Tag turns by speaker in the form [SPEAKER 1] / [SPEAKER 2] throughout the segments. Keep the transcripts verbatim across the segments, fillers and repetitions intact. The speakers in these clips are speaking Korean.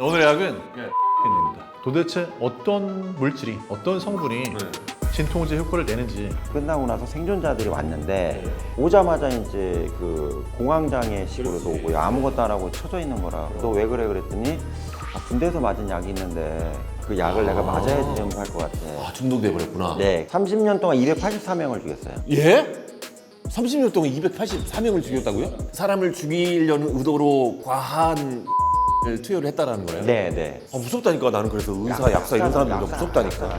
[SPEAKER 1] 오늘 약은
[SPEAKER 2] 예.
[SPEAKER 1] 입니다. 도대체 어떤 물질이, 어떤 성분이
[SPEAKER 2] 네.
[SPEAKER 1] 진통제 효과를 내는지.
[SPEAKER 3] 끝나고 나서 생존자들이 왔는데 오자마자 이제 그 공황장애식으로도 오고요. 아무것도 안 하고 쳐져 있는 거라. 너 왜 그래 그랬더니 아, 군대에서 맞은 약이 있는데 그 약을 내가 맞아야지 좀 할 것 같아.
[SPEAKER 2] 아, 중독돼 버렸구나.
[SPEAKER 3] 네, 삼십 년 동안 이백팔십사 명을 죽였어요.
[SPEAKER 2] 예? 삼십 년 동안 이백팔십사 명을 죽였다고요? 사람을 죽이려는 의도로 과한 을 투여를 했다라는 거예요?
[SPEAKER 3] 네, 네.
[SPEAKER 2] 아, 무섭다니까. 나는 그래서 의사, 약사 이런 사람들도 무섭다니까.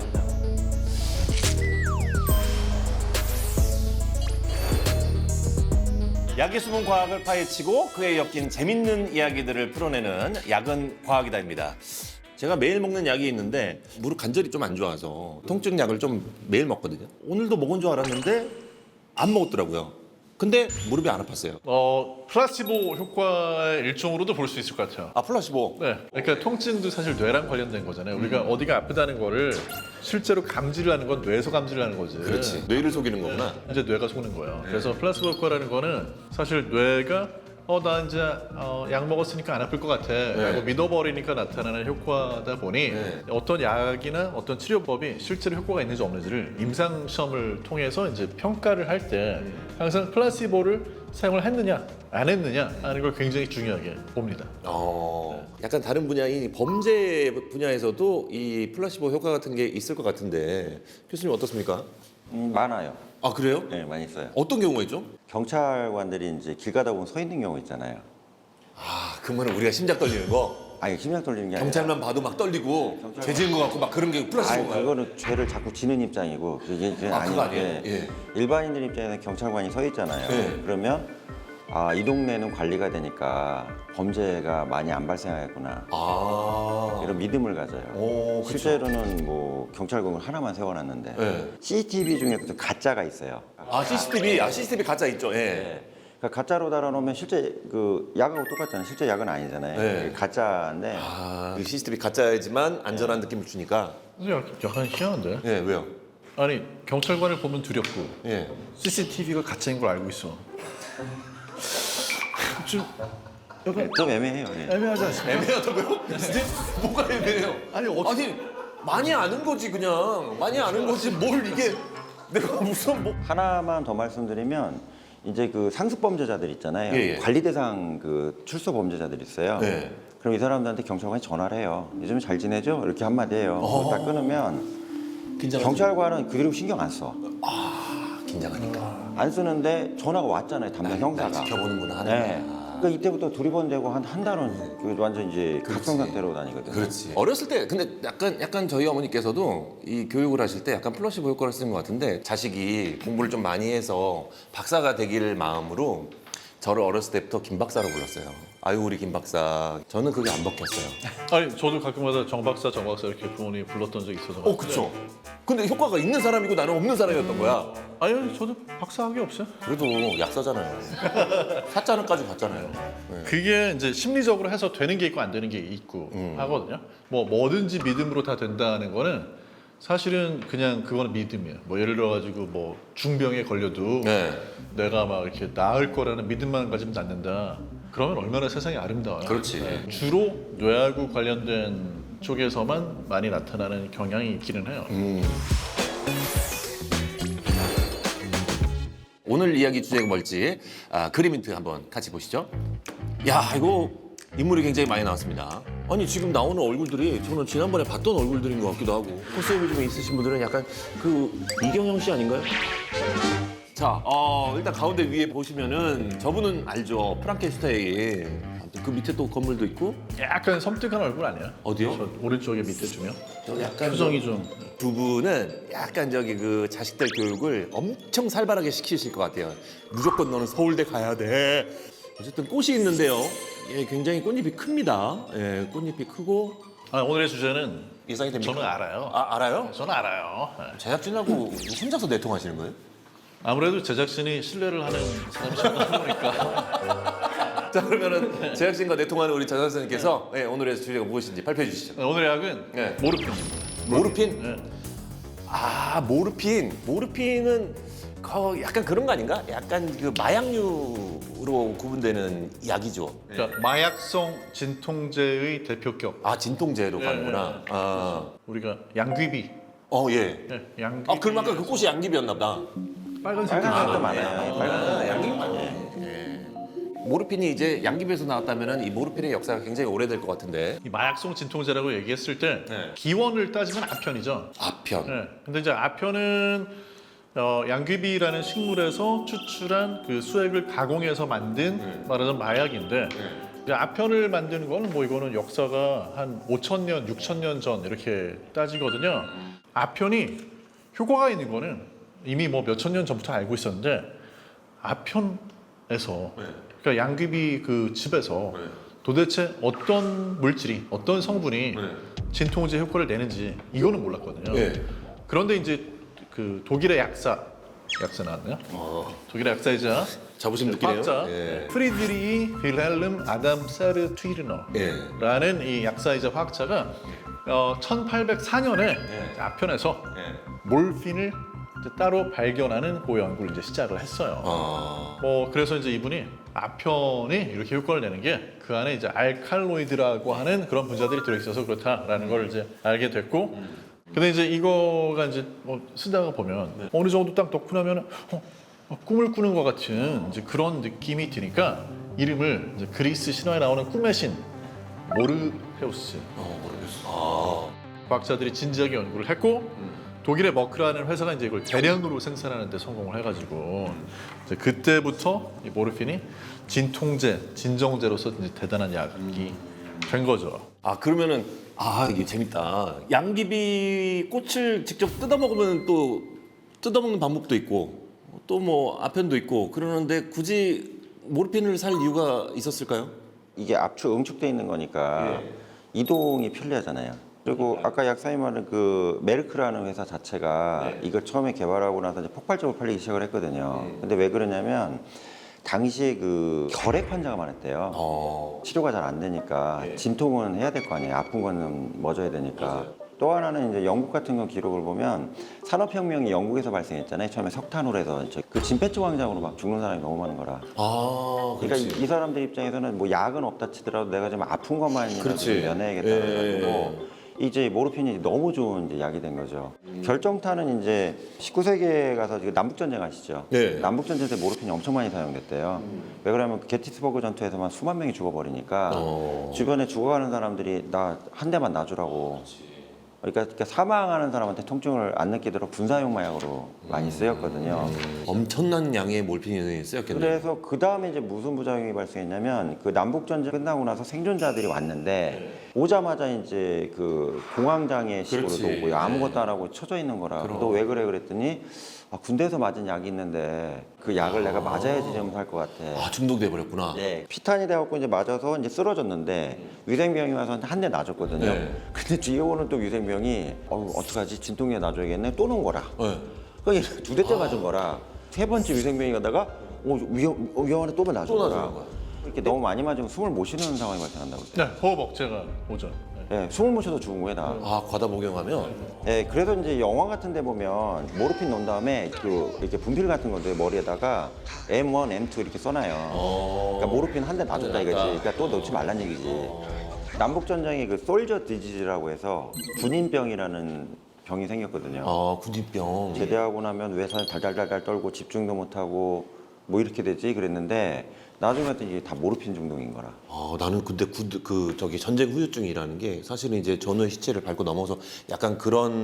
[SPEAKER 2] 약의 숨은 과학을 파헤치고 그에 엮인 재밌는 이야기들을 풀어내는 약은 과학이다입니다. 제가 매일 먹는 약이 있는데 무릎 관절이 좀 안 좋아서 통증 약을 좀 매일 먹거든요. 오늘도 먹은 줄 알았는데 안 먹었더라고요. 근데 무릎이 안 아팠어요.
[SPEAKER 1] 어, 플라시보 효과의 일종으로도 볼 수 있을 것 같아요.
[SPEAKER 2] 아, 플라시보.
[SPEAKER 1] 네, 그러니까 통증도 사실 뇌랑 관련된 거잖아요. 우리가 어디가 아프다는 거를 실제로 감지를 하는 건 뇌에서 감지를 하는 거지.
[SPEAKER 2] 그렇지. 뇌를 속이는 거구나.
[SPEAKER 1] 이제 뇌가 속는 거예요. 그래서 플라시보 효과라는 거는 사실 뇌가 어, 나 이제 어, 약 먹었으니까 안 아플 것 같아 라고 믿어버리니까 나타나는 효과다 보니
[SPEAKER 2] 네.
[SPEAKER 1] 어떤 약이나 어떤 치료법이 실제로 효과가 있는지 없는지를 임상 시험을 통해서 이제 평가를 할 때 항상 플라시보를 사용을 했느냐 안 했느냐 하는 걸 굉장히 중요하게 봅니다.
[SPEAKER 2] 어, 약간 다른 분야인 범죄 분야에서도 이 플라시보 효과 같은 게 있을 것 같은데 교수님 어떻습니까?
[SPEAKER 3] 음, 많아요.
[SPEAKER 2] 아, 그래요?
[SPEAKER 3] 네, 많이 있어요.
[SPEAKER 2] 어떤 경우가 있죠?
[SPEAKER 3] 경찰관들이 이제 길 가다 보면 서 있는 경우 있잖아요.
[SPEAKER 2] 아, 그러면 우리가 심장 떨리는 거
[SPEAKER 3] 아니, 심장 떨리는 게 아니라
[SPEAKER 2] 경찰만 봐도 막 떨리고
[SPEAKER 3] 경찰관.
[SPEAKER 2] 죄 지은 것 같고 막 그런 게
[SPEAKER 3] 아니,
[SPEAKER 2] 플라시보인가요?
[SPEAKER 3] 그거는 죄를 자꾸 지는 입장이고 그게 이제
[SPEAKER 2] 아, 그거
[SPEAKER 3] 아닌데
[SPEAKER 2] 아니에요? 예.
[SPEAKER 3] 일반인들 입장에서 경찰관이 서 있잖아요.
[SPEAKER 2] 예.
[SPEAKER 3] 그러면 아, 이 동네는 관리가 되니까 범죄가 많이 안 발생하겠구나.
[SPEAKER 2] 아,
[SPEAKER 3] 이런 믿음을 가져요.
[SPEAKER 2] 오, 그쵸.
[SPEAKER 3] 실제로는 뭐 경찰국을 하나만 세워놨는데
[SPEAKER 2] 예.
[SPEAKER 3] 씨씨티비 중에 또 가짜가 있어요.
[SPEAKER 2] 아, 씨씨티비, 아, 씨씨티비 가짜 있죠. 예.
[SPEAKER 3] 네. 그러니까 가짜로 달아놓으면 실제 그 약하고 똑같잖아요. 실제 약은 아니잖아요.
[SPEAKER 2] 네.
[SPEAKER 3] 가짜인데
[SPEAKER 2] 아, 그 씨씨티비 가짜이지만 안전한 느낌을 주니까.
[SPEAKER 1] 근데 약- 약간 희한한데?
[SPEAKER 2] 예, 왜요?
[SPEAKER 1] 아니 경찰관을 보면 두렵고
[SPEAKER 2] 예.
[SPEAKER 1] 씨씨티비가 가짜인 걸 알고 있어. 좀 약간
[SPEAKER 3] 좀 애매해요. 예.
[SPEAKER 1] 애매하지 않습니까?
[SPEAKER 2] 애매하다고요? 근데 뭐가 애매해요?
[SPEAKER 1] 아니, 어떻-
[SPEAKER 2] 아니 많이 아는 거지 그냥 많이 아는 거지 뭘 이게 내가 무슨 뭐
[SPEAKER 3] 하나만 더 말씀드리면 이제 그 상습 범죄자들 있잖아요.
[SPEAKER 2] 예, 예.
[SPEAKER 3] 관리 대상 그 출소 범죄자들 있어요.
[SPEAKER 2] 네.
[SPEAKER 3] 그럼 이 사람들한테 경찰관이 전화를 해요. 요즘 잘 지내죠? 이렇게 한마디 해요.
[SPEAKER 2] 어.
[SPEAKER 3] 딱 끊으면
[SPEAKER 2] 긴장하지?
[SPEAKER 3] 경찰관은 그대로 신경 안 써.
[SPEAKER 2] 긴장하니까
[SPEAKER 3] 안 쓰는데 전화가 왔잖아요. 담당 형사가.
[SPEAKER 2] 날 지켜보는구나 하는
[SPEAKER 3] 네.
[SPEAKER 2] 거야.
[SPEAKER 3] 그러니까 이때부터 두리번되고 한 한 달은 그 완전 이제 각성 상태로 다니거든요.
[SPEAKER 2] 그렇지. 어렸을 때 근데 약간 약간 저희 어머니께서도 이 교육을 하실 때 약간 플라시보 효과를 쓰는 것 같은데 자식이 공부를 좀 많이 해서 박사가 되길 마음으로 저를 어렸을 때부터 김 박사로 불렀어요. 아유 우리 김 박사. 저는 그게 안 먹혔어요.
[SPEAKER 1] 아니 저도 가끔마다 정 박사 정 박사 이렇게 부모님이 불렀던 적이 있어서.
[SPEAKER 2] 어 그쵸. 근데 효과가 있는 사람이고 나는 없는 사람이었던 거야.
[SPEAKER 1] 아니 저도 박사학위 없어요.
[SPEAKER 2] 그래도 약사잖아요. 사자는까지 갔잖아요. 네.
[SPEAKER 1] 그게 이제 심리적으로 해서 되는 게 있고 안 되는 게 있고
[SPEAKER 2] 음.
[SPEAKER 1] 하거든요. 뭐 뭐든지 믿음으로 다 된다는 거는 사실은 그냥 그거는 믿음이에요. 뭐 예를 들어 가지고 뭐 중병에 걸려도
[SPEAKER 2] 네.
[SPEAKER 1] 내가 막 이렇게 나을 거라는 믿음만 가지면 낫는다. 그러면 얼마나 세상이 아름다워요.
[SPEAKER 2] 그렇지.
[SPEAKER 1] 네. 주로 뇌하고 관련된 쪽에서만 많이 나타나는 경향이 있기는 해요.
[SPEAKER 2] 음. 오늘 이야기 주제가 뭘지 아, 그림 힌트 한번 같이 보시죠. 야 이거 인물이 굉장히 많이 나왔습니다. 아니 지금 나오는 얼굴들이 저는 지난번에 봤던 얼굴들인 것 같기도 하고 코스염이 좀 있으신 분들은 약간 그 이경영 씨 아닌가요? 자, 어, 일단 가운데 위에 보시면은 저분은 알죠. 프랑켄슈타인. 아무튼 그 밑에 또 건물도 있고
[SPEAKER 1] 약간 섬뜩한 얼굴 아니야?
[SPEAKER 2] 어디요?
[SPEAKER 1] 저 오른쪽에 밑에 주면
[SPEAKER 2] 저 약간
[SPEAKER 1] 표정이 좀
[SPEAKER 2] 두 분은 약간 저기 그 자식들 교육을 엄청 살벌하게 시키실 것 같아요. 무조건 너는 서울대 가야 돼. 어쨌든 꽃이 있는데요. 예, 굉장히 꽃잎이 큽니다. 예, 꽃잎이 크고
[SPEAKER 1] 아, 오늘의 주제는
[SPEAKER 2] 예상이 됩니까?
[SPEAKER 1] 저는 알아요.
[SPEAKER 2] 아, 알아요?
[SPEAKER 1] 저는 알아요. 네.
[SPEAKER 2] 제작진하고 혼자서 내통하시는 거예요?
[SPEAKER 1] 아무래도 제작진이 신뢰를 하는 사람이 저는 보니까
[SPEAKER 2] 자, 그러면은 제작진과 내통하는 우리 전 선생님께서 예, 오늘의 주제가 무엇인지 발표해 주시죠.
[SPEAKER 1] 오늘의 약은
[SPEAKER 2] 네.
[SPEAKER 1] 모르핀입니다.
[SPEAKER 2] 모르핀?
[SPEAKER 1] 네.
[SPEAKER 2] 아, 모르핀. 모르핀은 거- 약간 그런 거 아닌가? 약간 그 마약류의 약으로 구분되는 약이죠.
[SPEAKER 1] 그러니까 마약성 진통제의 대표격.
[SPEAKER 2] 아 진통제로
[SPEAKER 1] 네,
[SPEAKER 2] 가는구나.
[SPEAKER 1] 네.
[SPEAKER 2] 아,
[SPEAKER 1] 우리가 양귀비.
[SPEAKER 2] 어 예.
[SPEAKER 1] 네, 양귀비.
[SPEAKER 2] 아 그럼 아까 그 꽃이 양귀비였나 보다.
[SPEAKER 1] 빨간색.
[SPEAKER 3] 빨간색도
[SPEAKER 1] 아,
[SPEAKER 3] 많아요.
[SPEAKER 2] 아,
[SPEAKER 3] 빨간색.
[SPEAKER 2] 양귀비 맞네. 예. 모르핀이 이제 양귀비에서 나왔다면은 이 모르핀의 역사가 굉장히 오래될 것 같은데.
[SPEAKER 1] 이 마약성 진통제라고 얘기했을 때
[SPEAKER 2] 네.
[SPEAKER 1] 기원을 따지면 아편이죠.
[SPEAKER 2] 아편.
[SPEAKER 1] 네. 근데 이제 아편은 어, 양귀비라는 식물에서 추출한 그 수액을 가공해서 만든
[SPEAKER 2] 네.
[SPEAKER 1] 말하자면 마약인데 이제 아편을 만드는 거는 뭐 이거는 역사가 한 오천 년, 육천 년 전 이렇게 따지거든요. 아편이 효과가 있는 거는 이미 뭐 몇천 년 전부터 알고 있었는데 아편에서 그러니까 양귀비 그 즙에서 도대체 어떤 물질이 어떤 성분이 진통제 효과를 내는지 이거는 몰랐거든요.
[SPEAKER 2] 네.
[SPEAKER 1] 그런데 이제 그 독일의 약사 약사 나왔나요?
[SPEAKER 2] 어,
[SPEAKER 1] 독일의 약사이자
[SPEAKER 2] 자부심 느끼네요.
[SPEAKER 1] 과학자
[SPEAKER 2] 예.
[SPEAKER 1] 프리드리히 윌헬름 아담 사르트위르너라는
[SPEAKER 2] 예.
[SPEAKER 1] 이 약사이자 화학자가 어, 천팔백사 년에
[SPEAKER 2] 예.
[SPEAKER 1] 아편에서
[SPEAKER 2] 예.
[SPEAKER 1] 몰핀을 이제 따로 발견하는 그 연구를 이제 시작을 했어요.
[SPEAKER 2] 아.
[SPEAKER 1] 뭐 그래서 이제 이분이 아편이 이렇게 효과를 내는 게 그 안에 이제 알칼로이드라고 하는 그런 분자들이 들어있어서 그렇다라는 걸 이제 알게 됐고, 근데 이제 이거가 이제 뭐 쓰다가 보면 어느 정도 딱 넣고 나면 어, 어, 꿈을 꾸는 것 같은 이제 그런 느낌이 드니까 이름을 이제 그리스 신화에 나오는 꿈의 신 모르헤우스
[SPEAKER 2] 어 모르겠어.
[SPEAKER 1] 과학자들이 진지하게 연구를 했고 독일의 머크라는 회사가 이제 이걸 대량으로 생산하는 데 성공을 해가지고 이제 그때부터 이 모르핀이 진통제, 진정제로서 이제 대단한 약이 된 거죠.
[SPEAKER 2] 아 그러면은 아 이게 재밌다. 양귀비 꽃을 직접 뜯어 먹으면 또 뜯어 먹는 방법도 있고 또 뭐 아편도 있고 그러는데 굳이 모르핀을 살 이유가 있었을까요?
[SPEAKER 3] 이게 압축, 응축돼 있는 거니까
[SPEAKER 2] 예.
[SPEAKER 3] 이동이 편리하잖아요. 그리고 아까 약사님 말한 그 메르크라는 회사 자체가
[SPEAKER 2] 네.
[SPEAKER 3] 이걸 처음에 개발하고 나서 이제 폭발적으로 팔리기 시작을 했거든요. 근데 왜 그러냐면 당시에 그 결핵 환자가 많았대요.
[SPEAKER 2] 어.
[SPEAKER 3] 치료가 잘 안 되니까
[SPEAKER 2] 네. 진통은
[SPEAKER 3] 진통은 해야 될 거 아니에요. 아픈 거는 멎어야 되니까. 또 하나는 이제 영국 같은 경 기록을 보면 산업혁명이 영국에서 발생했잖아요. 처음에 석탄으로 해서 이제 그 진폐증 환장으로 막 죽는 사람이 너무 많은 거라.
[SPEAKER 2] 아
[SPEAKER 3] 그러니까
[SPEAKER 2] 그렇지.
[SPEAKER 3] 이, 이 사람들 입장에서는 뭐 약은 없다 치더라도 내가 좀 아픈 것만이라도
[SPEAKER 2] 그렇지.
[SPEAKER 3] 좀 면해야겠다는
[SPEAKER 2] 예.
[SPEAKER 3] 가지고 이제 모르핀이 너무 좋은 이제 약이 된 거죠. 결정타는 이제 십구 세기에 가서 지금 남북 전쟁 아시죠?
[SPEAKER 2] 네.
[SPEAKER 3] 남북 전쟁 때 모르핀이 엄청 많이 사용됐대요. 왜 그러면 그 게티스버그 전투에서만 수만 명이 죽어버리니까
[SPEAKER 2] 어.
[SPEAKER 3] 주변에 죽어가는 사람들이 나 한 대만 놔주라고. 그러니까, 그러니까 사망하는 사람한테 통증을 안 느끼도록 분사용 마약으로 많이 쓰였거든요.
[SPEAKER 2] 엄청난 양의 몰핀이 쓰였겠네요.
[SPEAKER 3] 그래서 그 다음에 이제 무슨 부작용이 발생했냐면 그 남북 전쟁 끝나고 나서 생존자들이 왔는데 오자마자 이제 그 공황장애 식으로
[SPEAKER 2] 그렇지.
[SPEAKER 3] 오고요. 아무것도 안 하고 쳐져 있는 거라.
[SPEAKER 2] 그럼.
[SPEAKER 3] 너 왜 그래 그랬더니 아, 군대에서 맞은 약이 있는데 그 약을 내가 맞아야지 좀 살 것 같아.
[SPEAKER 2] 아 중독돼 버렸구나.
[SPEAKER 3] 네, 피탄이 돼갖고 이제 맞아서 이제 쓰러졌는데 위생병이 와서 한 대 놔줬거든요.
[SPEAKER 2] 네.
[SPEAKER 3] 근데 뒤에 오는 또 위생병이 어 어떡하지 진통제 놔줘야겠네 또 놓은 거라.
[SPEAKER 2] 네.
[SPEAKER 3] 그러니까 두 대째 맞은 거라. 세 번째 위생병이 가다가 어, 위험 어, 위험하네 또 놔준
[SPEAKER 2] 또
[SPEAKER 3] 거라.
[SPEAKER 2] 놔주는 거야.
[SPEAKER 3] 이렇게 너무 많이 맞으면 숨을 못 쉬는 상황이 발생한다고.
[SPEAKER 1] 네, 호흡 억제가 오죠. 네.
[SPEAKER 3] 네, 숨을 못 쉬어서 죽은 거예요 다.
[SPEAKER 2] 아 과다 복용하면
[SPEAKER 3] 네, 그래서 이제 영화 같은 데 보면 모르핀 넣은 다음에 그 이렇게 분필 같은 건데 머리에다가 엠 원, 엠 투 이렇게 써놔요.
[SPEAKER 2] 어.
[SPEAKER 3] 그러니까 모르핀 한 대 놔줬다 이거지.
[SPEAKER 2] 놔줬다.
[SPEAKER 3] 그러니까 또 넣지 말란 얘기지. 남북 전쟁에 그 솔저 디지즈라고 해서 군인병이라는 병이 생겼거든요.
[SPEAKER 2] 아 군인병.
[SPEAKER 3] 제대하고 나면 외상 달달달달 떨고 집중도 못하고 뭐 이렇게 되지 그랬는데 나중에 봤더니 이게 다 모르핀 중독인 거라.
[SPEAKER 2] 아 나는 근데 그, 그 저기 전쟁 후유증이라는 게 사실은 이제 전후의 시체를 밟고 넘어서 약간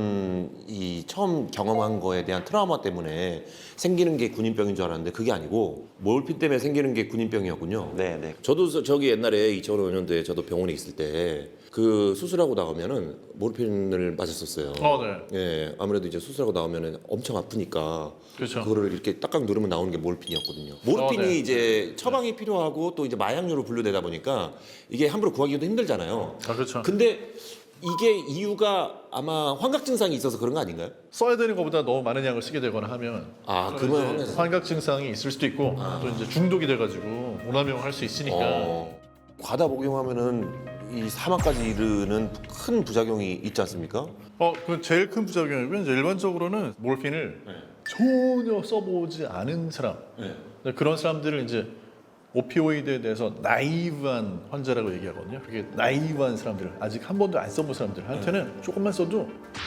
[SPEAKER 2] 그런 이 처음 경험한 거에 대한 트라우마 때문에 생기는 게 군인병인 줄 알았는데 그게 아니고 몰핀 때문에 생기는 게 군인병이었군요.
[SPEAKER 3] 네, 네.
[SPEAKER 2] 저도 저- 저기 옛날에 이천오 년도에 저도 병원에 있을 때 그 수술하고 나오면은 모르핀을 맞았었어요.
[SPEAKER 1] 어, 네.
[SPEAKER 2] 예, 아무래도 이제 수술하고 나오면은 엄청 아프니까
[SPEAKER 1] 그렇죠.
[SPEAKER 2] 그거를 이렇게 딱딱 누르면 나오는 게 모르핀이었거든요. 모르핀이
[SPEAKER 1] 어, 네.
[SPEAKER 2] 이제 처방이 필요하고 또 이제 마약류로 분류되다 보니까 이게 함부로 구하기도 힘들잖아요.
[SPEAKER 1] 아, 그렇죠.
[SPEAKER 2] 근데 이게 이유가 아마 환각 증상이 있어서 그런 거 아닌가요?
[SPEAKER 1] 써야 되는 것보다 너무 많은 양을 쓰게 되거나 하면
[SPEAKER 2] 아,
[SPEAKER 1] 또
[SPEAKER 2] 그러면
[SPEAKER 1] 이제
[SPEAKER 2] 환각-
[SPEAKER 1] 환각 증상이 있을 수도 있고 또 이제 중독이 돼가지고 오남용할 수 있으니까
[SPEAKER 2] 어, 과다 복용하면은 이 사망까지 이르는 큰 부작용이 있지 않습니까?
[SPEAKER 1] 어, 그 제일 큰 부작용이고 이제 일반적으로는 몰핀을 전혀 써보지 않은 사람 네, 그런 사람들을 이제 오피오이드에 대해서 나이브한 환자라고 얘기하거든요. 그게 나이브한 사람들, 아직 한 번도 안 써본 사람들한테는 조금만 써도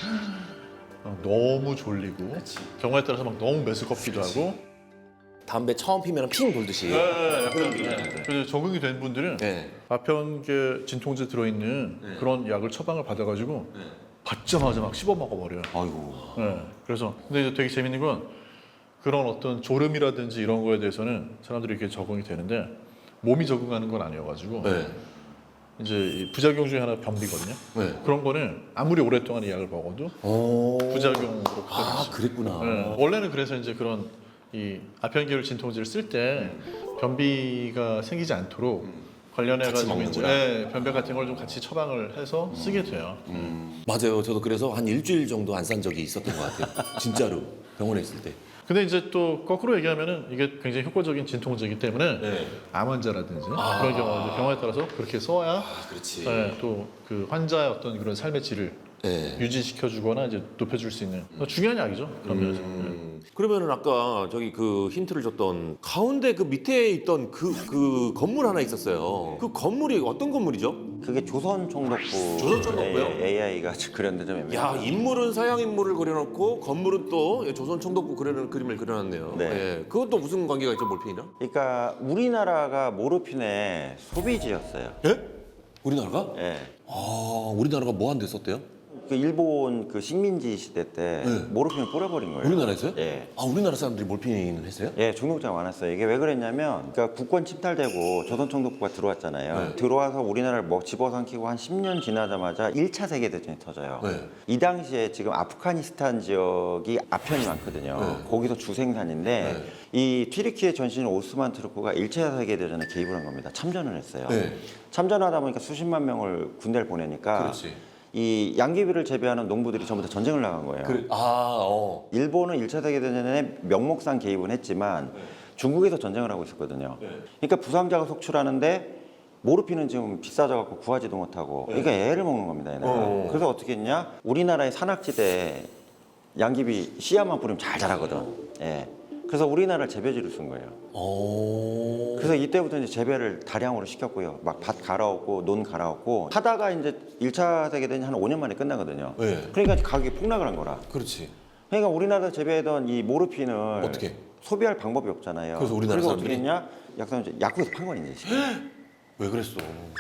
[SPEAKER 1] 어, 너무 졸리고 경우에 따라서 막 너무 메스껍기도 하고.
[SPEAKER 2] 담배 처음 피면 핑 돌듯이.
[SPEAKER 1] 네, 그래서 적응이 된 분들은
[SPEAKER 2] 네.
[SPEAKER 1] 아편계 진통제 들어있는
[SPEAKER 2] 네.
[SPEAKER 1] 그런 약을 처방을 받아가지고
[SPEAKER 2] 네.
[SPEAKER 1] 받자마자 막 씹어 먹어버려요.
[SPEAKER 3] 아이고.
[SPEAKER 1] 네, 그래서 근데 이제 되게 재밌는 건 그런 어떤 졸음이라든지 이런 거에 대해서는 사람들이 이렇게 적응이 되는데 몸이 적응하는 건 아니어가지고
[SPEAKER 2] 네.
[SPEAKER 1] 이제 이 부작용 중에 하나 변비거든요.
[SPEAKER 2] 네.
[SPEAKER 1] 그런 거는 아무리 오랫동안 이 약을 먹어도
[SPEAKER 2] 오.
[SPEAKER 1] 부작용으로
[SPEAKER 2] 아, 그랬구나.
[SPEAKER 1] 네, 원래는 그래서 이제 그런 이 아편계열 진통제를 쓸 때 변비가 생기지 않도록 관련해
[SPEAKER 2] 같이
[SPEAKER 1] 가지고 이제
[SPEAKER 2] 먹는구나.
[SPEAKER 1] 네, 변비 같은 걸 좀 같이 처방을 해서 쓰게 돼요.
[SPEAKER 2] 음. 맞아요. 저도 그래서 한 일주일 정도 안 산 적이 있었던 것 같아요. 진짜로 병원에 있을 때.
[SPEAKER 1] 근데 이제 또 거꾸로 얘기하면은 이게 굉장히 효과적인 진통제이기 때문에
[SPEAKER 2] 네.
[SPEAKER 1] 암 환자라든지
[SPEAKER 2] 아.
[SPEAKER 1] 그런 경우 병원에 따라서 그렇게 써야
[SPEAKER 2] 아, 그렇지.
[SPEAKER 1] 네, 또 그 환자의 어떤 그런 삶의 질을
[SPEAKER 2] 네.
[SPEAKER 1] 유지시켜주거나 이제 높여줄 수 있는 중요한 약이죠. 그런 면에서. 네.
[SPEAKER 2] 음. 그러면은 아까 저기 그 힌트를 줬던 가운데 그 밑에 있던 그 그 건물 하나 있었어요. 그 건물이 어떤 건물이죠?
[SPEAKER 3] 그게 조선 총독부
[SPEAKER 2] 조선 총독부요?
[SPEAKER 3] 에이아이가 그렸는데 좀 애매해요.
[SPEAKER 2] 야, 인물은 서양 인물을 그려놓고 건물은 또 조선 총독부 그려놓은 그림을 그려놨네요.
[SPEAKER 3] 네.
[SPEAKER 2] 예. 그것도 무슨 관계가 있죠, 몰핀이랑?
[SPEAKER 3] 그러니까 우리나라가 모르핀의 소비지였어요.
[SPEAKER 2] 예? 우리나라가?
[SPEAKER 3] 예.
[SPEAKER 2] 아, 우리나라가 뭐 한 데 썼대요?
[SPEAKER 3] 그 일본 그 식민지 시대 때
[SPEAKER 2] 네.
[SPEAKER 3] 모르핀을 뿌려버린 거예요.
[SPEAKER 2] 우리나라에서요?
[SPEAKER 3] 예.
[SPEAKER 2] 아, 우리나라 사람들이 몰핀을 했어요?
[SPEAKER 3] 예, 중독자가 많았어요. 이게 왜 그랬냐면, 그러니까 국권 침탈되고 조선총독부가 들어왔잖아요.
[SPEAKER 2] 네.
[SPEAKER 3] 들어와서 우리나라를 뭐 집어삼키고 한 십 년 지나자마자 일 차 세계대전이 터져요.
[SPEAKER 2] 네.
[SPEAKER 3] 이 당시에 지금 아프가니스탄 지역이 아편이 많거든요.
[SPEAKER 2] 네.
[SPEAKER 3] 거기서 주생산인데 이 튀르키예 전신 오스만 트루크가 일 차 세계대전에 개입을 한 겁니다. 참전을 했어요.
[SPEAKER 2] 네.
[SPEAKER 3] 참전하다 보니까 수십만 명을 군대를 보내니까
[SPEAKER 2] 그렇지.
[SPEAKER 3] 이 양귀비를 재배하는 농부들이 전부 다 전쟁을 나간 거예요.
[SPEAKER 2] 그래. 아, 어.
[SPEAKER 3] 일본은 일 차 세계대전에 명목상 개입은 했지만 중국에서 전쟁을 하고 있었거든요. 그러니까 부상자가 속출하는데 모르핀은 지금 비싸져갖고 구하지도 못하고 그러니까 애를 먹는 겁니다. 얘네가.
[SPEAKER 2] 어.
[SPEAKER 3] 그래서 어떻게 했냐? 우리나라의 산악지대에 양귀비 씨앗만 뿌리면 잘 자라거든. 예. 그래서 우리나라를 재배지로 쓴 거예요.
[SPEAKER 2] 오.
[SPEAKER 3] 그래서 이때부터 이제 재배를 다량으로 시켰고요. 막 밭 갈아엎고 논 갈아엎고 하다가 이제 일 차 세계대전이 한 오 년 만에 끝나거든요.
[SPEAKER 2] 네.
[SPEAKER 3] 그러니까 가격이 폭락을 한 거라.
[SPEAKER 2] 그렇지.
[SPEAKER 3] 그러니까 우리나라에서 재배하던 이 모르핀을
[SPEAKER 2] 어떻게?
[SPEAKER 3] 소비할 방법이 없잖아요.
[SPEAKER 2] 그래서 우리나라
[SPEAKER 3] 그래서
[SPEAKER 2] 사람들이?
[SPEAKER 3] 어떻게 했냐? 약사는 약국에서 판 거니 이제.
[SPEAKER 2] 왜 그랬어?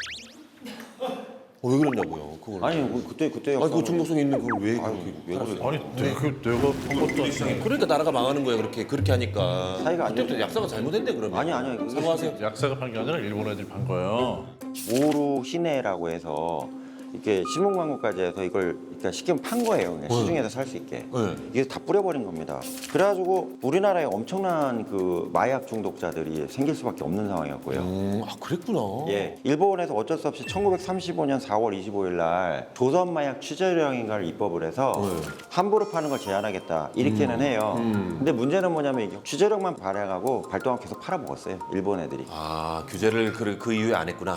[SPEAKER 2] 어, 왜 그랬냐고요? 그걸.
[SPEAKER 3] 아니 뭐 그때 그때
[SPEAKER 2] 아니, 그
[SPEAKER 3] 약사는-
[SPEAKER 2] 중독성 있는 그걸 왜
[SPEAKER 3] 아유,
[SPEAKER 2] 그렇게
[SPEAKER 3] 왜
[SPEAKER 2] 팔았어요?
[SPEAKER 3] 그래?
[SPEAKER 1] 아니 내가 그 내가 본 것도 아니고
[SPEAKER 2] 그러니까 나라가 망하는 거예요. 그렇게 그렇게 하니까.
[SPEAKER 3] 사이가 안
[SPEAKER 2] 그때부터
[SPEAKER 3] 좋네.
[SPEAKER 2] 약사가 잘못했네 그러면.
[SPEAKER 3] 아니, 아니요. 그게-
[SPEAKER 2] 사과하세요.
[SPEAKER 1] 약사가 판 게 아니라 일본 애들이 판 거예요.
[SPEAKER 3] 오루 시내라고 해서 이렇게 신문 광고까지 해서 이걸 그러니까 쉽게 판 거예요. 그냥 시중에서 살 수 있게.
[SPEAKER 2] 네.
[SPEAKER 3] 이게 다 뿌려버린 겁니다. 그래가지고 우리나라에 엄청난 그 마약 중독자들이 생길 수밖에 없는 상황이었고요.
[SPEAKER 2] 음, 아 그랬구나.
[SPEAKER 3] 예, 일본에서 어쩔 수 없이 천구백삼십오 년 사월 이십오일 날 조선 마약 취재령인가를 입법을 해서
[SPEAKER 2] 네.
[SPEAKER 3] 함부로 파는 걸 제한하겠다 이렇게는 해요.
[SPEAKER 2] 음.
[SPEAKER 3] 근데 문제는 뭐냐면 이게 취재령만 발행하고 발동하고 계속 팔아먹었어요. 일본 애들이.
[SPEAKER 2] 아 규제를 그, 그 이후에 안 했구나.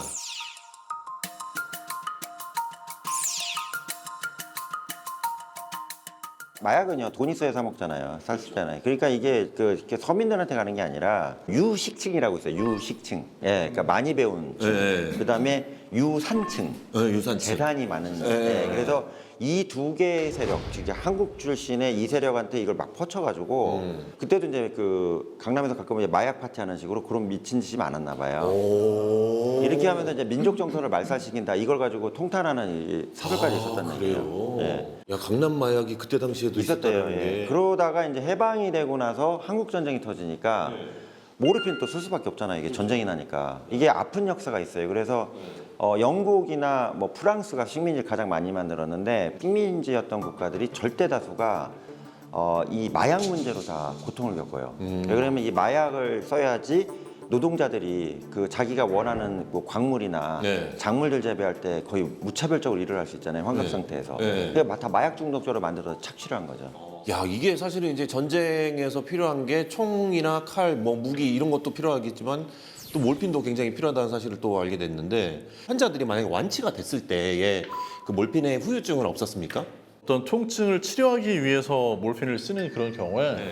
[SPEAKER 3] 마약은요 돈 있어야 사 먹잖아요. 살 수 있잖아요. 그러니까 이게 그 이렇게 서민들한테 가는 게 아니라 유식층이라고 있어요. 유식층. 예, 그러니까 많이 배운 층.
[SPEAKER 2] 예, 예.
[SPEAKER 3] 그다음에 유산층.
[SPEAKER 2] 네, 유산치.
[SPEAKER 3] 재산이 많은.
[SPEAKER 2] 예,
[SPEAKER 3] 예,
[SPEAKER 2] 예.
[SPEAKER 3] 그래서 이 두 개의 세력, 즉 한국 출신의 이 세력한테 이걸 막 퍼쳐가지고
[SPEAKER 2] 음.
[SPEAKER 3] 그때도 이제 그 강남에서 가끔 이제 마약 파티하는 식으로 그런 미친 짓이 많았나 봐요.
[SPEAKER 2] 오.
[SPEAKER 3] 이렇게 하면서 이제 민족 정서를 말살시킨다. 이걸 가지고 통탄하는 이 사설까지
[SPEAKER 2] 아,
[SPEAKER 3] 있었다는
[SPEAKER 2] 그래요.
[SPEAKER 3] 얘기예요. 예.
[SPEAKER 2] 야 강남 마약이 그때 당시에도
[SPEAKER 3] 있었대요.
[SPEAKER 2] 있었다는
[SPEAKER 3] 예.
[SPEAKER 2] 게.
[SPEAKER 3] 그러다가 이제 해방이 되고 나서 한국 전쟁이 터지니까 모르핀 또 쓸 수밖에 없잖아요. 이게 전쟁이 나니까 이게 아픈 역사가 있어요. 그래서 어, 영국이나 뭐 프랑스가 식민지를 가장 많이 만들었는데 식민지였던 국가들이 절대 다수가 어, 이 마약 문제로 다 고통을 겪어요.
[SPEAKER 2] 음.
[SPEAKER 3] 왜 그러면 이 마약을 써야지 노동자들이 그 자기가 원하는 뭐 광물이나
[SPEAKER 2] 네.
[SPEAKER 3] 작물들 재배할 때 거의 무차별적으로 일을 할 수 있잖아요. 환갑
[SPEAKER 2] 네.
[SPEAKER 3] 상태에서.
[SPEAKER 2] 네.
[SPEAKER 3] 그게 다 마약 중독자로 만들어서 착취를 한 거죠.
[SPEAKER 2] 야 이게 사실은 이제 전쟁에서 필요한 게 총이나 칼, 뭐 무기 이런 것도 필요하겠지만 또 몰핀도 굉장히 필요하다는 사실을 또 알게 됐는데 환자들이 만약에 완치가 됐을 때에 그 몰핀의 후유증은 없었습니까?
[SPEAKER 1] 어떤 통증을 치료하기 위해서 몰핀을 쓰는 그런 경우에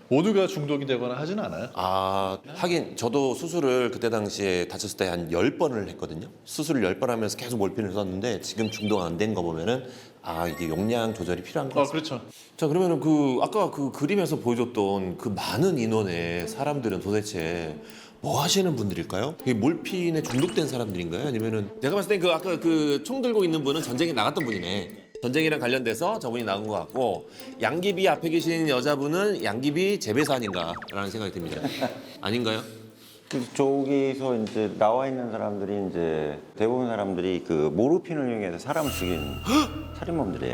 [SPEAKER 1] 모두가 중독이 되거나 하지는 않아요.
[SPEAKER 2] 아, 하긴 저도 수술을 그때 당시에 다쳤을 때 한 열 번을 했거든요. 수술을 열 번 하면서 계속 몰핀을 썼는데 지금 중독 안 된 거 보면은 아, 이게 용량 조절이 필요한 거
[SPEAKER 1] 아
[SPEAKER 2] 같습니다.
[SPEAKER 1] 그렇죠.
[SPEAKER 2] 자, 그러면은 그 아까 그 그림에서 보여줬던 그 많은 인원의 사람들은 도대체 뭐 하시는 분들일까요? 이게 몰핀에 중독된 사람들인가요? 아니면은 내가 봤을 땐 그 아까 그 총 들고 있는 분은 전쟁에 나갔던 분이네. 전쟁이랑 관련돼서 저분이 나온 것 같고 양귀비 앞에 계신 여자분은 양귀비 재배사 아닌가라는 생각이 듭니다. 아닌가요?
[SPEAKER 3] 그 저기서 이제 나와 있는 사람들이 이제 대부분 사람들이 그 모르핀을 이용해서 사람을 죽인 살인범들이에요.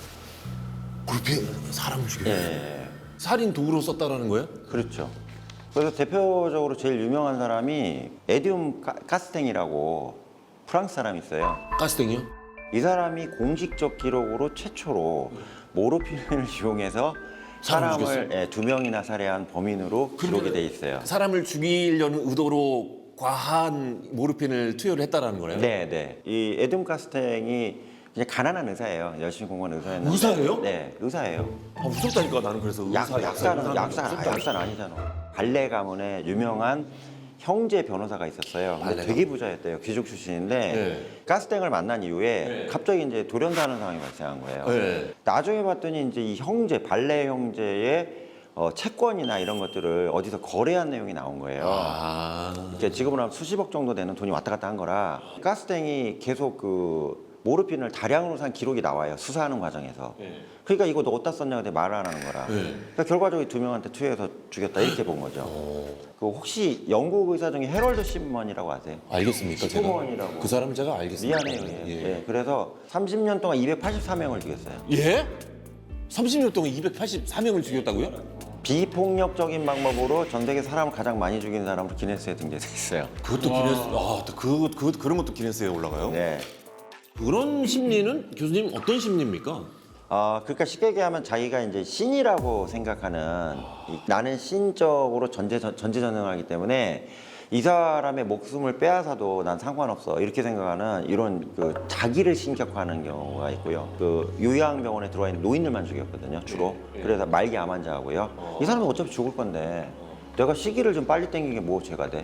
[SPEAKER 2] 몰핀 사람을 죽여.
[SPEAKER 3] 예,
[SPEAKER 2] 살인 도구로 썼다라는 거예요?
[SPEAKER 3] 그렇죠. 그래서 대표적으로 제일 유명한 사람이 에디움 가- 가스탱이라고 프랑스 사람이 있어요.
[SPEAKER 2] 가스탱이요?
[SPEAKER 3] 이 사람이 공식적 기록으로 최초로 모르핀을 이용해서
[SPEAKER 2] 사람을
[SPEAKER 3] 사람을 예, 두 명이나 살해한 범인으로 기록이 돼 있어요.
[SPEAKER 2] 사람을 죽이려는 의도로 과한 모르핀을 투여를 했다라는 거네요.
[SPEAKER 3] 네, 네. 이 에디움 가스탱이 그냥 가난한 의사예요. 열심히 공부한 의사였는데.
[SPEAKER 2] 의사예요?
[SPEAKER 3] 네, 의사예요.
[SPEAKER 2] 아, 무섭다니까 나는 그래서
[SPEAKER 3] 약,
[SPEAKER 2] 의사,
[SPEAKER 3] 약사는
[SPEAKER 2] 의사,
[SPEAKER 3] 약사,
[SPEAKER 2] 무섭다.
[SPEAKER 3] 약사는 아니잖아. 발레 가문의 유명한 형제 변호사가 있었어요. 근데
[SPEAKER 2] 발레
[SPEAKER 3] 되게 부자였대요. 귀족 출신인데
[SPEAKER 2] 네.
[SPEAKER 3] 가스탱을 만난 이후에
[SPEAKER 2] 네.
[SPEAKER 3] 갑자기 이제 돌연사하는 상황이 발생한 거예요.
[SPEAKER 2] 네.
[SPEAKER 3] 나중에 봤더니 이제 이 형제 발레 형제의 어, 채권이나 이런 것들을 어디서 거래한 내용이 나온 거예요.
[SPEAKER 2] 아,
[SPEAKER 3] 이게 지금으로 하면 수십억 정도 되는 돈이 왔다 갔다 한 거라 가스탱이 계속 그 모르핀을 다량으로 산 기록이 나와요. 수사하는 과정에서.
[SPEAKER 2] 네.
[SPEAKER 3] 그러니까 이거 너 어디다 썼냐고 근데 말을 안 하는 거라.
[SPEAKER 2] 네.
[SPEAKER 3] 그러니까 결과적으로 두 명한테 투여해서 죽였다 이렇게 본 거죠. 그 혹시 영국 의사 중에 해럴드 시먼이라고 아세요?
[SPEAKER 2] 알겠습니까? 제가
[SPEAKER 3] 시그먼이라고.
[SPEAKER 2] 그 사람은 제가 알겠습니다.
[SPEAKER 3] 미안해요. 예.
[SPEAKER 2] 예.
[SPEAKER 3] 예, 그래서 삼십 년 동안 이백팔십사 명을 죽였어요.
[SPEAKER 2] 예? 삼십 년 동안 이백팔십사 명을 죽였다고요?
[SPEAKER 3] 비폭력적인 방법으로 전 세계 사람을 가장 많이 죽인 사람으로 기네스에 등재돼 있어요.
[SPEAKER 2] 그것도 기네스, 아, 또 그, 그, 그런 것도 기네스에 올라가요?
[SPEAKER 3] 네.
[SPEAKER 2] 그런 심리는 교수님 어떤 심리입니까?
[SPEAKER 3] 아, 그러니까 쉽게 얘기하면 자기가 이제 신이라고 생각하는 이- 나는 신적으로 전제 전제전능하기 때문에 이 사람의 목숨을 빼앗아도 난 상관없어 이렇게 생각하는 이런 그 자기를 신격화하는 경우가 있고요. 그 요양병원에 들어와 있는 노인들만 죽였거든요, 주로. 그래서 말기 암 환자하고요. 이 사람은 어차피 죽을 건데 내가 시기를 좀 빨리 땡기게 뭐 죄가 돼?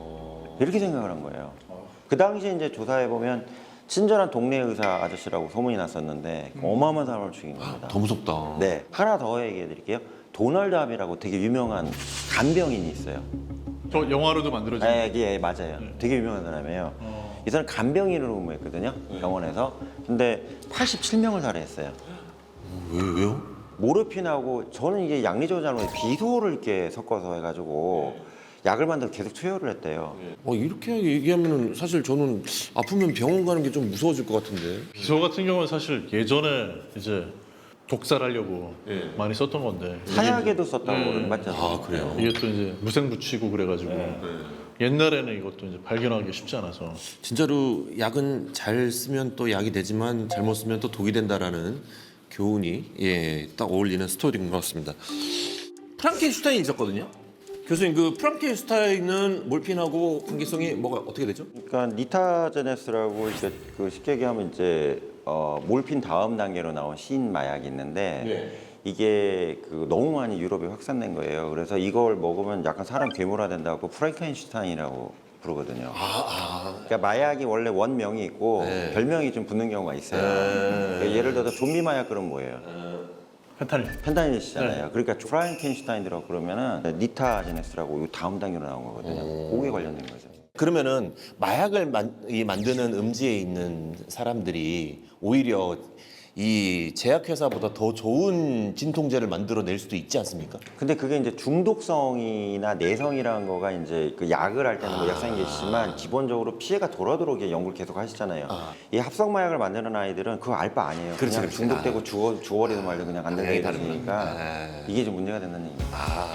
[SPEAKER 3] 이렇게 생각을 한 거예요. 그 당시에 이제 조사해 보면 친절한 동네 의사 아저씨라고 소문이 났었는데 어마어마한 사람을 죽인 겁니다.
[SPEAKER 2] 더 무섭다.
[SPEAKER 3] 네, 하나 더 얘기해 드릴게요. 도널드 합이라고 되게 유명한 간병인이 있어요.
[SPEAKER 1] 저 영화로도 만들어진.
[SPEAKER 3] 예, 예, 맞아요. 되게 유명한 사람이에요. 이 사람 간병인으로 근무했거든요, 병원에서. 근데 팔십칠 명을 살해했어요.
[SPEAKER 2] 왜, 왜요?
[SPEAKER 3] 모르핀하고 저는 이게 양리조장으로 비소를 이렇게 섞어서 해가지고 약을 만들어 계속 투여를 했대요.
[SPEAKER 2] 어, 이렇게 얘기하면은 사실 저는 아프면 병원 가는 게 좀 무서워질 것 같은데.
[SPEAKER 1] 비소 같은 경우는 사실 예전에 이제 독살하려고
[SPEAKER 2] 예.
[SPEAKER 1] 많이 썼던 건데
[SPEAKER 3] 사약에도 썼다고
[SPEAKER 1] 네.
[SPEAKER 3] 그러는 맞죠?
[SPEAKER 2] 아, 그래요?
[SPEAKER 1] 이게 또 이제 무생 붙이고 그래가지고 옛날에는 이것도 이제 발견하기 쉽지 않아서
[SPEAKER 2] 진짜로 약은 잘 쓰면 또 약이 되지만 잘못 쓰면 또 독이 된다라는 교훈이 예, 딱 어울리는 스토리인 것 같습니다. 프랑켄슈타인이 있었거든요. 교수님, 그 프랑켄슈타인은 몰핀하고 관계성이 뭐가 어떻게 되죠?
[SPEAKER 3] 그러니까 니타제네스라고 이제 그 쉽게 얘기하면 이제 어, 몰핀 다음 단계로 나온 신 마약이 있는데
[SPEAKER 2] 네.
[SPEAKER 3] 이게 그 너무 많이 유럽에 확산된 거예요. 그래서 이걸 먹으면 약간 사람 괴물화 된다고 프랑켄슈타인이라고 부르거든요. 그러니까 마약이 원래 원명이 있고
[SPEAKER 2] 네.
[SPEAKER 3] 별명이 좀 붙는 경우가 있어요. 그러니까 예를 들어서 좀비 마약 그럼 뭐예요?
[SPEAKER 1] 페타닐.
[SPEAKER 3] 펜타닐이잖아요. 그러니까 프랑켄슈타인이라고 그러면은 니타제네스라고 이 다음 단계로 나온 거거든요. 그게 관련된 거죠.
[SPEAKER 2] 그러면은 마약을 만, 이 만드는 음지에 있는 사람들이 오히려 이 제약회사보다 더 좋은 진통제를 만들어낼 수도 있지 않습니까?
[SPEAKER 3] 근데 그게 이제 중독성이나 내성이라는 거가 이제 그 약을 할 때는 뭐 약상이 계시지만 기본적으로 피해가 덜하도록 이게 연구를 계속 하시잖아요.
[SPEAKER 2] 아.
[SPEAKER 3] 이 합성 마약을 만드는 아이들은 그거 알 바 아니에요.
[SPEAKER 2] 그렇지,
[SPEAKER 3] 그냥
[SPEAKER 2] 그렇지.
[SPEAKER 3] 중독되고 죽어 죽어버리든 말든 그냥 안 되는
[SPEAKER 2] 당연히
[SPEAKER 3] 애들이니까
[SPEAKER 2] 다르구나. 아.
[SPEAKER 3] 이게 좀 문제가 된다는 얘기예요.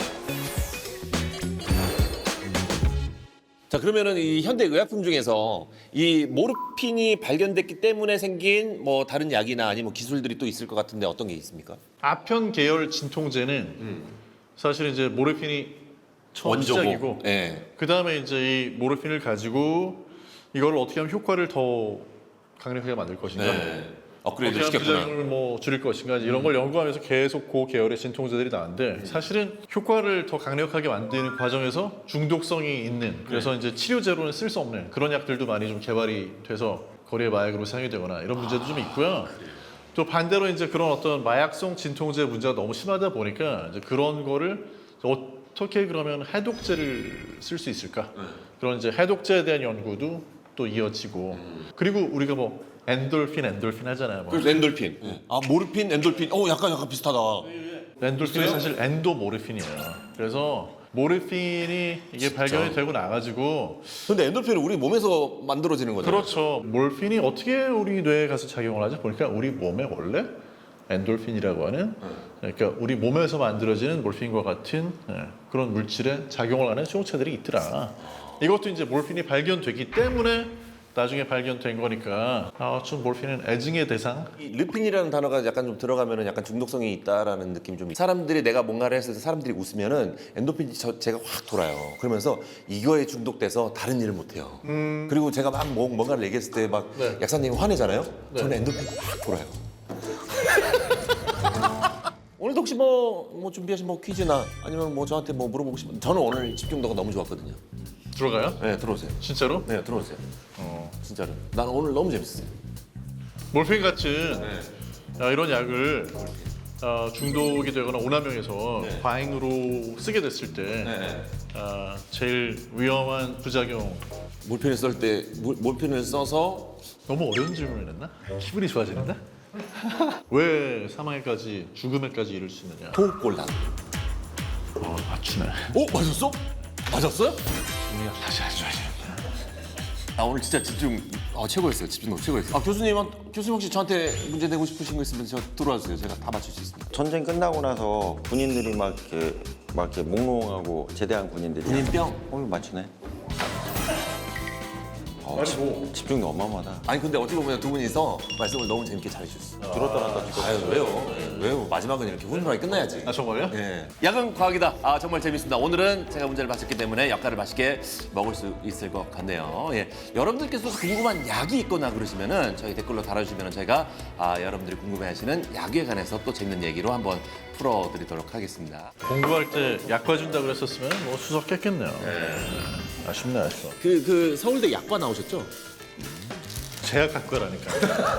[SPEAKER 2] 자, 그러면은 이 현대 의약품 중에서 이 모르핀이 발견됐기 때문에 생긴 뭐 다른 약이나 아니면 뭐 기술들이 또 있을 것 같은데 어떤 게 있습니까?
[SPEAKER 1] 아편 계열 진통제는 사실 이제 모르핀이 처음 시작이고
[SPEAKER 2] 예.
[SPEAKER 1] 그 다음에 이제 이 모르핀을 가지고 이걸 어떻게 하면 효과를 더 강력하게 만들 것인가
[SPEAKER 2] 네. 업그레이드를
[SPEAKER 1] 어떻게
[SPEAKER 2] 시켰구나.
[SPEAKER 1] 부작용을 뭐 줄일 것인가 이런 걸 연구하면서 계속 그 계열의 진통제들이 나왔는데 사실은 효과를 더 강력하게 만드는 과정에서 중독성이 있는 그래서 이제 치료제로는 쓸 수 없는 그런 약들도 많이 좀 개발이 돼서 거리의 마약으로 사용이 되거나 이런 문제도 좀 있고요. 또 반대로 이제 그런 어떤 마약성 진통제 문제가 너무 심하다 보니까 이제 그런 거를 어떻게 그러면 해독제를 쓸 수 있을까? 그런 이제 해독제에 대한 연구도 또 이어지고 그리고 우리가 뭐 엔돌핀 엔돌핀 하잖아요. 뭐.
[SPEAKER 2] 그래서 엔돌핀. 아 모르핀, 엔돌핀. 어 약간 약간 비슷하다.
[SPEAKER 1] 엔돌핀이 사실 엔도모르핀이에요. 그래서 모르핀이 이게 발견이 되고 나가지고
[SPEAKER 2] 근데 엔돌핀은 우리 몸에서 만들어지는 거잖아요.
[SPEAKER 1] 그렇죠. 몰핀이 어떻게 우리 뇌에 가서 작용을 하죠? 보니까 우리 몸에 원래 엔돌핀이라고 하는 그러니까 우리 몸에서 만들어지는 몰핀과 같은 예, 그런 물질에 작용을 하는 수용체들이 있더라. 이것도 이제 몰핀이 발견되기 때문에 나중에 발견된 거니까 아, 좀 몰핀은 애증의 대상.
[SPEAKER 2] 이 르핀이라는 단어가 약간 좀 들어가면은 약간 중독성이 있다라는 느낌이 좀. 사람들이 내가 뭔가를 했을 때 사람들이 웃으면은 엔도핀이 저, 제가 확 돌아요. 그러면서 이거에 중독돼서 다른 일을 못 해요.
[SPEAKER 1] 음.
[SPEAKER 2] 그리고 제가 막 뭐, 뭔가를 얘기했을 때 막
[SPEAKER 1] 네.
[SPEAKER 2] 약사님이 화내잖아요.
[SPEAKER 1] 네.
[SPEAKER 2] 저는 엔도핀이 확 돌아요. 오늘도 혹시 뭐, 뭐 준비하신 뭐 퀴즈나 아니면 뭐 저한테 뭐 물어보고 싶은 저는 오늘 집중도가 너무 좋았거든요.
[SPEAKER 1] 들어가요?
[SPEAKER 2] 네, 들어오세요.
[SPEAKER 1] 진짜로?
[SPEAKER 2] 네, 들어오세요.
[SPEAKER 1] 어.
[SPEAKER 2] 진짜로. 난 오늘 너무 재밌었어요.
[SPEAKER 1] 몰핀 같은 아, 이런 약을 아, 중독이 되거나 오남용해서 과잉으로 쓰게 됐을 때 아, 제일 위험한 부작용.
[SPEAKER 2] 몰핀을 쓸 때 몰핀을 써서
[SPEAKER 1] 너무 어려운 질문을 했나? 기분이 좋아지는데? 왜 사망에까지 죽음에까지 이를 수 있느냐?
[SPEAKER 2] 토골단.
[SPEAKER 1] 어, 맞추네.
[SPEAKER 2] 오 맞았어? 맞았어요?
[SPEAKER 1] 우리가 다시 해줘야지.
[SPEAKER 2] 아 오늘 진짜 집중 아, 최고였어요. 집중도 최고였어요. 아 교수님 교수님 혹시 저한테 문제 내고 싶으신 거 있으면 저 들어와 주세요. 제가 다 맞출 수 있습니다.
[SPEAKER 3] 전쟁 끝나고 나서 군인들이 막 이렇게 막 이렇게 몽롱하고 제대한 군인들이
[SPEAKER 2] 군인병?
[SPEAKER 3] 어 이거 맞추네. 어,
[SPEAKER 1] 아니,
[SPEAKER 3] 집,
[SPEAKER 1] 뭐.
[SPEAKER 3] 집중이 어마어마하다.
[SPEAKER 2] 아니 근데 어떻게 보면 두 분이서 말씀을 너무 재밌게 잘해주셨어요.
[SPEAKER 3] 들었다 놨다 지금.
[SPEAKER 2] 아유 왜요? 왜요? 마지막은 이렇게 훈훈하게 끝나야지.
[SPEAKER 1] 아 정말요?
[SPEAKER 2] 예. 야근 과학이다. 아 정말 재밌습니다. 오늘은 제가 문제를 맞췄기 때문에 약과를 맛있게 먹을 수 있을 것 같네요. 예. 여러분들께서 궁금한 약이 있거나 그러시면은 저희 댓글로 달아주시면 저희가 아, 여러분들이 궁금해하시는 약에 관해서 또 재밌는 얘기로 한번 풀어드리도록 하겠습니다.
[SPEAKER 1] 공부할 때 약과 준다 그랬었으면 뭐 수석했겠네요. 아쉽네 아쉬워.
[SPEAKER 2] 그, 그 서울대 약과 나오셨죠?
[SPEAKER 1] 제약학과라니까.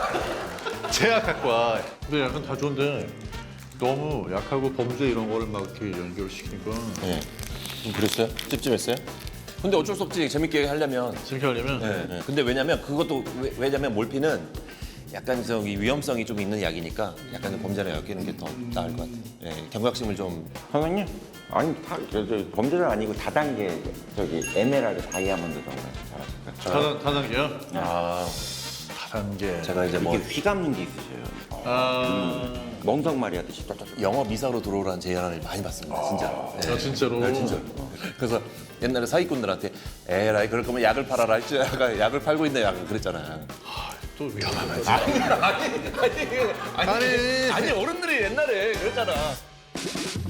[SPEAKER 1] 제약학과. 근데 약간 다 좋은데 너무 약하고 범죄 이런 거를 막 이렇게 연결시키니까
[SPEAKER 2] 네. 좀 그랬어요? 찝찝했어요? 근데 어쩔 수 없지. 재밌게 하려면.
[SPEAKER 1] 재밌게 하려면
[SPEAKER 2] 네, 네. 근데 왜냐면 그것도 왜, 왜냐면 몰핀은 약간 저기 위험성이 좀 있는 약이니까 약간 범죄를 엮이는 게 더 나을 것 같아요. 네, 경각심을 좀.
[SPEAKER 3] 선생님? 아니 다, 저, 저, 범죄자는 아니고 다단계 저기 에메랄드 다이아몬드 정도 잘하실까?
[SPEAKER 1] 다단, 다단계요?
[SPEAKER 2] 아,
[SPEAKER 1] 다단계.
[SPEAKER 2] 제가 이제 뭐
[SPEAKER 3] 이게 휘감는 게 있으세요.
[SPEAKER 1] 아,
[SPEAKER 3] 멍석말이 하듯이 쫙쫙.
[SPEAKER 2] 영어 미사로 들어오라는 제안을 많이 받습니다. 진짜로. 네.
[SPEAKER 1] 아, 진짜로?
[SPEAKER 2] 네, 진짜로. 그래서 옛날에 사기꾼들한테 에라이 그럴 거면 약을 팔아라 했지. 약간 약을 팔고 있네 약간 그랬잖아요.
[SPEAKER 1] 또 위험하네.
[SPEAKER 2] 아니 아니 아니 아니 아니 어른들이 옛날에 그랬잖아.